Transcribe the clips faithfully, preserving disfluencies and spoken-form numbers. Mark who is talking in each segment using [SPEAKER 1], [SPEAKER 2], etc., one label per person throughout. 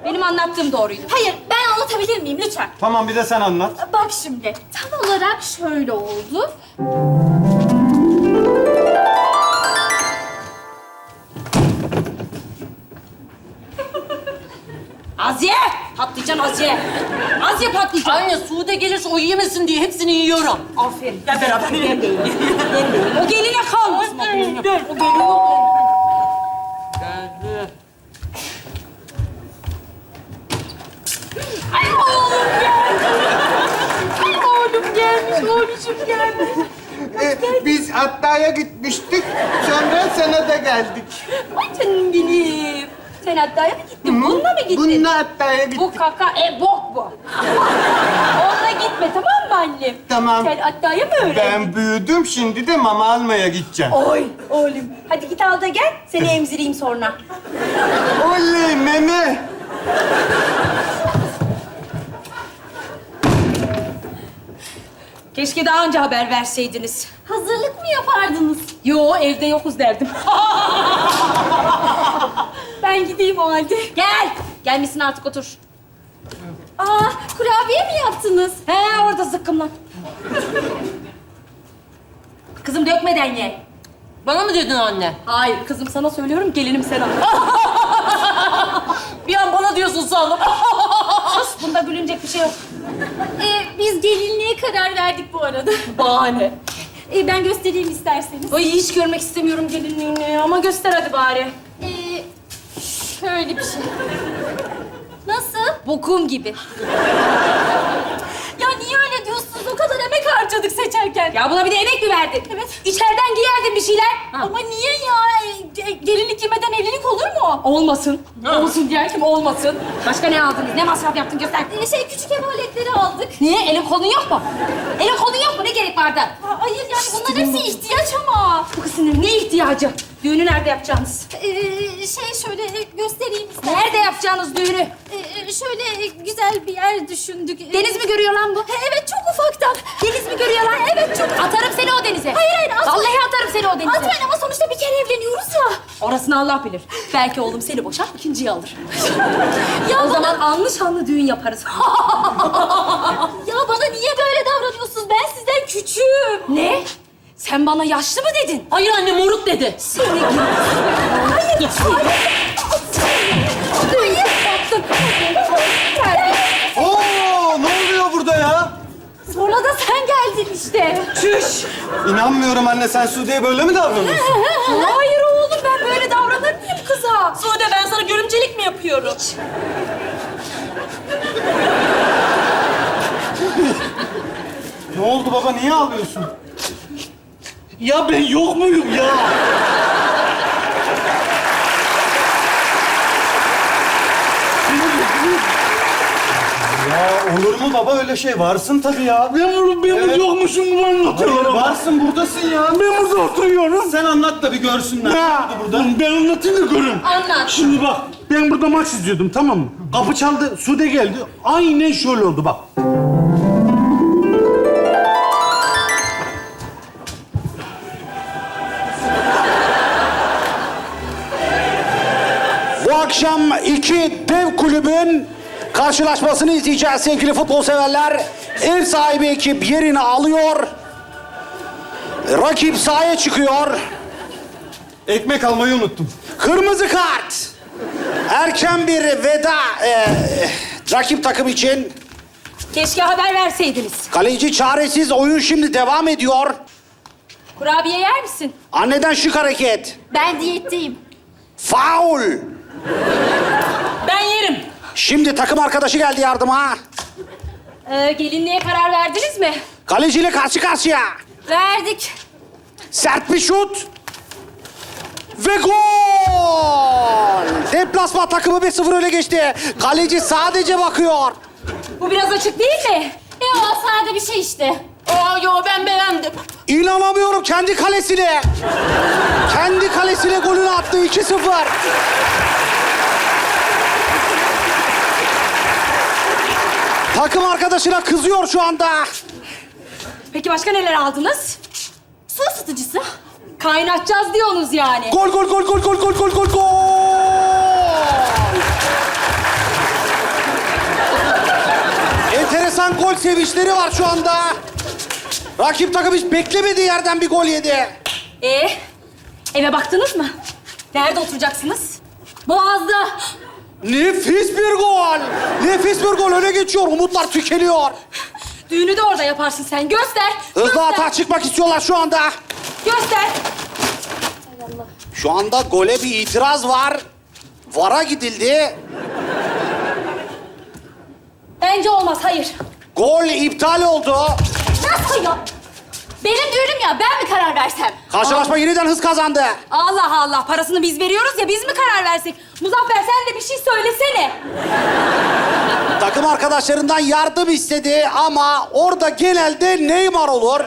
[SPEAKER 1] Benim anlattığım doğruydu.
[SPEAKER 2] Hayır, ben anlatabilir miyim lütfen?
[SPEAKER 3] Tamam bir de sen anlat.
[SPEAKER 2] Bak şimdi, tam olarak şöyle oldu.
[SPEAKER 1] Aziye! Patlıcan Aziye. Aziye patlıcan.
[SPEAKER 4] Anne Sude gelirse o yemesin diye hepsini yiyorum.
[SPEAKER 1] Aferin.
[SPEAKER 4] Gel beraber yiyelim.
[SPEAKER 1] O geline kalmasın. O geline.
[SPEAKER 4] Gel, o geliyor. Geldi.
[SPEAKER 1] Ay oğlum geldi. Ay oğlum gelmiş, oğluşum gelmiş.
[SPEAKER 5] Ee, biz Hatta'ya gitmiştik, sonra sana da geldik.
[SPEAKER 1] Ay canım benim. Sen Hatta'ya mı gittin? Bununla mı gittin?
[SPEAKER 5] Bununla Hatta'ya gittik.
[SPEAKER 1] Bu kaka, e bok bu. Onunla gitme tamam mı annem?
[SPEAKER 5] Tamam.
[SPEAKER 1] Sen Hatta'ya mı öğrendin?
[SPEAKER 5] Ben büyüdüm, şimdi de mama almaya gideceğim.
[SPEAKER 1] Oy oğlum. Hadi git al da gel. Seni emzireyim sonra.
[SPEAKER 5] Oley meme!
[SPEAKER 1] Keşke daha önce haber verseydiniz.
[SPEAKER 2] Hazırlık mı yapardınız?
[SPEAKER 1] Yo evde yokuz derdim.
[SPEAKER 2] Ben gideyim o halde.
[SPEAKER 1] Gel. Gelmişsin artık otur.
[SPEAKER 2] Aa, kurabiye mi yaptınız?
[SPEAKER 1] He orada zıkkımlan. Kızım dökmeden ye.
[SPEAKER 4] Bana mı dedin anne?
[SPEAKER 1] Hayır kızım sana söylüyorum gelinim sen al.
[SPEAKER 4] Bir an bana diyorsun sandım.
[SPEAKER 1] Sus bunda gülünecek bir şey yok.
[SPEAKER 2] Ee, biz gelinliğe karar verdik bu arada.
[SPEAKER 1] Bahane.
[SPEAKER 2] Ee, ben göstereyim isterseniz.
[SPEAKER 1] Ay hiç görmek istemiyorum gelinliğini ama göster hadi bari.
[SPEAKER 2] Ee, şöyle bir şey. Nasıl?
[SPEAKER 1] Bokum gibi.
[SPEAKER 2] Ya niye öyle diyorsunuz? O kadar emek harcadık seçerken.
[SPEAKER 1] Ya buna bir de emek mi verdin?
[SPEAKER 2] Evet.
[SPEAKER 1] İçeriden giyerdin bir şeyler.
[SPEAKER 2] Ama niye ya? Ee, Gelinlik giymeden evlilik olur mu?
[SPEAKER 1] Olmasın. Olsun diyen kim olmasın. Başka ne aldınız? Ne masraf yaptın göster.
[SPEAKER 2] Ee, şey küçük ev aletleri aldık.
[SPEAKER 1] Niye? Elin kolun yok mu? Elin kolun yok mu? Ne gerek vardı?
[SPEAKER 2] Aa, hayır yani bunların hepsi ihtiyaç ama.
[SPEAKER 1] Bu kız sinir. Ne ihtiyacı? Düğünü nerede yapacaksınız?
[SPEAKER 2] Ee, şey şöyle göstereyim isterseniz.
[SPEAKER 1] Nerede yapacağınız düğünü?
[SPEAKER 2] Ee, şöyle güzel bir yer düşündük.
[SPEAKER 1] Deniz mi görüyor lan bu?
[SPEAKER 2] Ha, evet çok ufaktan.
[SPEAKER 1] Deniz mi görüyor lan?
[SPEAKER 2] Evet çok.
[SPEAKER 1] Atarım seni o denize.
[SPEAKER 2] Hayır hayır atmayın.
[SPEAKER 1] Vallahi atarım seni o denize.
[SPEAKER 2] Atmayın ama sonuçta bir kere evleniyoruz ya.
[SPEAKER 1] Orasını Allah bilir. Belki oğlum seni boşar, ikinciyi alır.
[SPEAKER 2] Ya
[SPEAKER 1] o
[SPEAKER 2] bana-
[SPEAKER 1] zaman anlı şanlı düğün yaparız.
[SPEAKER 2] Ya bana niye böyle davranıyorsunuz? Ben sizden küçüğüm.
[SPEAKER 1] Ne? Sen bana yaşlı mı dedin?
[SPEAKER 4] Hayır anne moruk dedi.
[SPEAKER 1] Seni gidi. Hayır. Hayır. Baktın.
[SPEAKER 3] Oo, ne oluyor burada ya?
[SPEAKER 2] Sonra da sen geldin işte.
[SPEAKER 1] Çüş.
[SPEAKER 3] İnanmıyorum anne, sen Sude'ye böyle mi davranıyorsun?
[SPEAKER 1] Hayır oğlum ben böyle davranır mıyım kıza?
[SPEAKER 4] Sude ben sana görümcelik mi yapıyorum?
[SPEAKER 3] Ne oldu baba, niye ağlıyorsun?
[SPEAKER 5] Ya ben yok muyum ya?
[SPEAKER 3] Ya olur mu baba, öyle şey? Varsın tabii ya.
[SPEAKER 5] Ben burada, ben burada
[SPEAKER 3] Evet.
[SPEAKER 5] yokmuşum gibi anlatıyorlar
[SPEAKER 3] Hayır,
[SPEAKER 5] ama.
[SPEAKER 3] varsın, buradasın ya.
[SPEAKER 5] Ben burada oturuyorum.
[SPEAKER 3] Sen anlat da bir görsünler. Ne
[SPEAKER 5] Ya,
[SPEAKER 3] oldu burada?
[SPEAKER 5] ben anlatayım da görün.
[SPEAKER 1] Anlat.
[SPEAKER 5] Şimdi bak, ben burada maç izliyordum, tamam mı? Kapı çaldı, Sude geldi. Aynen şöyle oldu bak. Bu akşam iki dev kulübün karşılaşmasını izleyeceğiz sevgili futbol severler. Ev sahibi ekip yerini alıyor. Rakip sahaya çıkıyor.
[SPEAKER 3] Ekmek almayı unuttum.
[SPEAKER 5] Kırmızı kart. Erken bir veda e, rakip takım için.
[SPEAKER 1] Keşke haber verseydiniz.
[SPEAKER 5] Kaleci çaresiz, oyun şimdi devam ediyor.
[SPEAKER 1] Kurabiye yer misin?
[SPEAKER 5] Anneden şık hareket.
[SPEAKER 2] Ben diyetteyim.
[SPEAKER 5] Faul.
[SPEAKER 4] Ben yerim.
[SPEAKER 5] Şimdi takım arkadaşı geldi yardıma.
[SPEAKER 1] Ee, gelinliğe karar verdiniz mi?
[SPEAKER 5] Kaleciyle karşı karşıya.
[SPEAKER 1] Verdik.
[SPEAKER 5] Sert bir şut. Ve gol! Deplasman takımı bir sıfır öne geçti. Kaleci sadece bakıyor.
[SPEAKER 1] Bu biraz açık değil mi?
[SPEAKER 2] E o sade bir şey işte.
[SPEAKER 4] Aa yo ben beğendim.
[SPEAKER 5] İnanamıyorum, kendi kalesine. Kendi kalesine golünü attı, iki sıfır. Takım arkadaşına kızıyor şu anda.
[SPEAKER 1] Peki başka neler aldınız?
[SPEAKER 2] Su ısıtıcısı.
[SPEAKER 1] Kaynatacağız diyorsunuz yani.
[SPEAKER 5] Gol, gol, gol, gol, gol, gol, gol, gol, gol! Resmen gol sevinçleri var şu anda. Rakip takım hiç beklemediği yerden bir gol yedi.
[SPEAKER 2] Ee, eve baktınız mı? Nerede oturacaksınız? Boğaz'da.
[SPEAKER 5] Nefis bir gol. Nefis bir gol. Öne geçiyor. Umutlar tükeniyor.
[SPEAKER 2] Düğünü de orada yaparsın sen. Göster.
[SPEAKER 5] Hızlı
[SPEAKER 2] göster,
[SPEAKER 5] atağa çıkmak istiyorlar şu anda.
[SPEAKER 2] Göster.
[SPEAKER 5] Şu anda gole bir itiraz var. VAR'a gidildi.
[SPEAKER 2] Bence olmaz, hayır.
[SPEAKER 5] Gol iptal oldu.
[SPEAKER 2] Nasıl ya? Benim düğünüm ya, ben mi karar versem?
[SPEAKER 5] Karşılaşma yeniden hız kazandı.
[SPEAKER 2] Allah Allah, parasını biz veriyoruz ya, biz mi karar versek? Muzaffer sen de bir şey söylesene.
[SPEAKER 5] Takım arkadaşlarından yardım istedi ama orada genelde Neymar olur.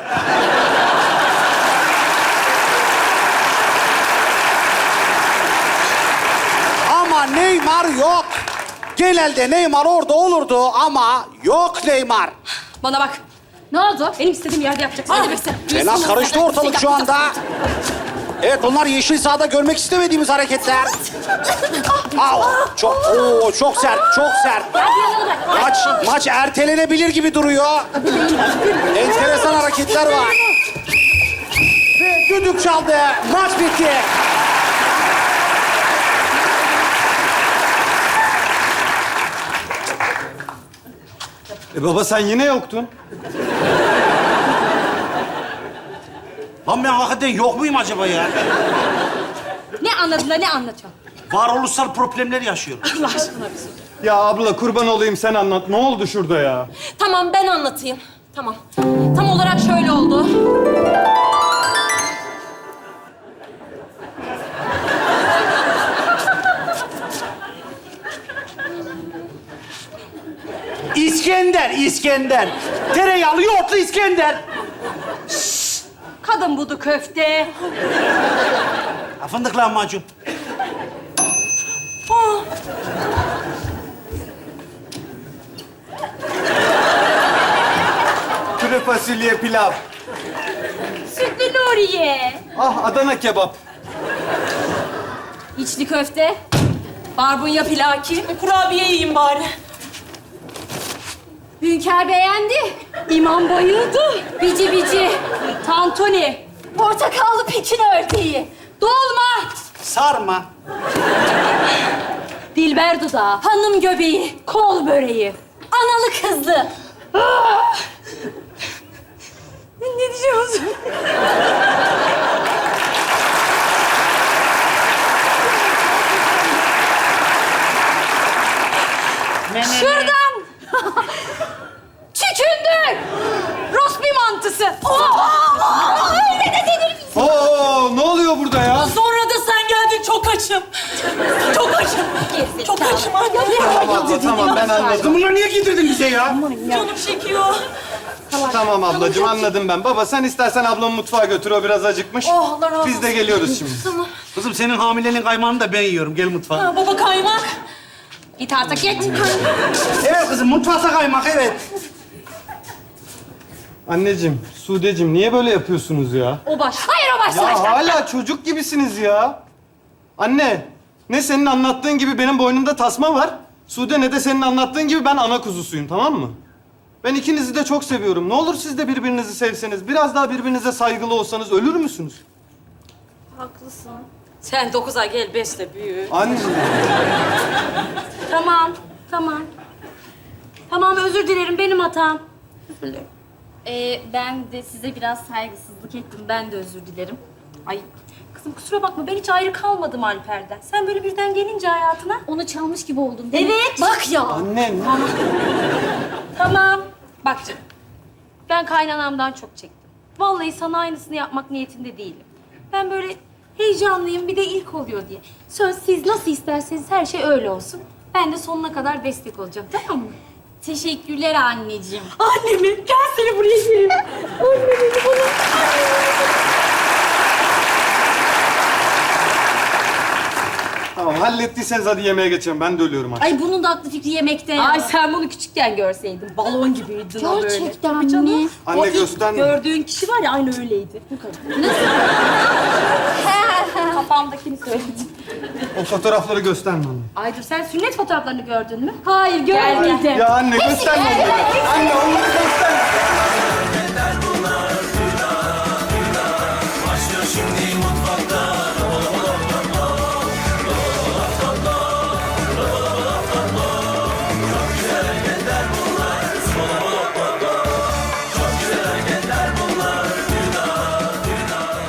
[SPEAKER 5] Ama Neymar yok. Genelde Neymar orada olurdu ama yok Neymar.
[SPEAKER 2] Bana bak. Ne oldu? Benim istediğim yerde yapacaksın. Hadi Bekse.
[SPEAKER 5] Fena karıştı ortalık şu anda. Evet, bunlar yeşil sahada görmek istemediğimiz hareketler. Au, çok, oo, çok sert, çok sert. Maç, maç ertelenebilir gibi duruyor. Enteresan hareketler var. Ve düdük çaldı. Maç bitti.
[SPEAKER 3] E baba sen yine yoktun.
[SPEAKER 6] Lan ben hakikaten yok muyum acaba ya?
[SPEAKER 2] Ne anladın da ne anlatıyorsun?
[SPEAKER 6] Varoluşsal problemler yaşıyorum.
[SPEAKER 2] Allah aşkına bir sus.
[SPEAKER 3] Ya abla kurban olayım sen anlat. Ne oldu şurada ya?
[SPEAKER 4] Tamam ben anlatayım. Tamam. Tam olarak şöyle oldu.
[SPEAKER 6] İskender, İskender. Tereyağlı yoğurtlu İskender.
[SPEAKER 2] Kadın budu köfte.
[SPEAKER 6] Ha, fındık lahmacun.
[SPEAKER 3] Kuru fasulye pilav.
[SPEAKER 2] Sütlü Nuriye.
[SPEAKER 3] Ah Adana kebap.
[SPEAKER 2] İçli köfte. Barbunya pilaki.
[SPEAKER 4] Kurabiye yiyeyim bari.
[SPEAKER 2] Hünkâr beğendi. İmam bayıldı. Bici bici. Tantuni. Portakallı pekin ördeği. Dolma.
[SPEAKER 6] Sarma.
[SPEAKER 2] Dilber dudağı. Hanım göbeği. Kol böreği. Analı kızlı. Ah! Ne diyeceğim? Şuradan. Çükündür. Rospi mantısı. Oh! Öyle de denir mi?
[SPEAKER 3] Oo, ne oluyor burada ya?
[SPEAKER 4] Sonra da sen geldin çok açım. Çok açım. Çok açım anne.
[SPEAKER 3] Tamam abla, tamam ben anladım.
[SPEAKER 6] Bunları niye getirdin bize ya?
[SPEAKER 4] Canım çekiyor.
[SPEAKER 3] Tamam ablacığım anladım ben. Baba sen istersen ablamı mutfağa götür, o biraz acıkmış.
[SPEAKER 4] Oh, Allah razı
[SPEAKER 3] Biz de
[SPEAKER 4] olsun.
[SPEAKER 3] geliyoruz şimdi.
[SPEAKER 4] Tamam.
[SPEAKER 6] Kızım senin hamileliğin kaymağını da ben yiyorum. Gel mutfağa.
[SPEAKER 4] Ha, baba kaymak.
[SPEAKER 2] Git artık git.
[SPEAKER 6] Evet kızım, mutfakta kaymak, evet.
[SPEAKER 3] Anneciğim, Sudeciğim niye böyle yapıyorsunuz ya?
[SPEAKER 2] O baş. Hayır o baş.
[SPEAKER 3] Ya hala çocuk gibisiniz ya. Anne, ne senin anlattığın gibi benim boynumda tasma var. Sude ne de senin anlattığın gibi ben ana kuzusuyum, tamam mı? Ben ikinizi de çok seviyorum. Ne olur siz de birbirinizi sevseniz, biraz daha birbirinize saygılı olsanız ölür müsünüz?
[SPEAKER 2] Haklısın.
[SPEAKER 4] Sen dokuz ay gel beşle büyü.
[SPEAKER 3] Anne.
[SPEAKER 2] Tamam, tamam. Tamam, özür dilerim. Benim hatam.
[SPEAKER 1] Ee, ben de size biraz saygısızlık ettim. Ben de özür dilerim.
[SPEAKER 2] Ay kızım kusura bakma. Ben hiç ayrı kalmadım Alper'den. Sen böyle birden gelince hayatına.
[SPEAKER 1] Onu çalmış gibi oldun değil mi?
[SPEAKER 2] Evet. Bak ya.
[SPEAKER 3] Anne.
[SPEAKER 2] Tamam. Bak canım. Ben kaynanamdan çok çektim. Vallahi sana aynısını yapmak niyetinde değilim. Ben böyle heyecanlıyım, bir de ilk oluyor diye. Söz siz nasıl isterseniz her şey öyle olsun. Ben de sonuna kadar destek olacağım, tamam mı?
[SPEAKER 1] Teşekkürler anneciğim.
[SPEAKER 2] Annemi, gel seni buraya gelin. Annemi bana.
[SPEAKER 3] Tamam, hallettiyseniz hadi yemeğe geçelim. Ben de ölüyorum artık.
[SPEAKER 1] Ay bunun da aklı fikri yemekte ya.
[SPEAKER 2] Ay sen bunu küçükken görseydin. Balon gibiydin o böyle.
[SPEAKER 1] Gerçekten
[SPEAKER 2] Tabii canım.
[SPEAKER 1] mi?
[SPEAKER 3] Anne
[SPEAKER 2] O ilk
[SPEAKER 3] gösterme.
[SPEAKER 2] gördüğün kişi var ya aynı öyleydi. Bu kadar. Kafamdakini söyledim.
[SPEAKER 3] O fotoğrafları gösterme anne.
[SPEAKER 2] Aydır sen sünnet fotoğraflarını gördün mü?
[SPEAKER 1] Hayır görmedim.
[SPEAKER 3] Ya anne gösterme onları. Anne onları gösterme.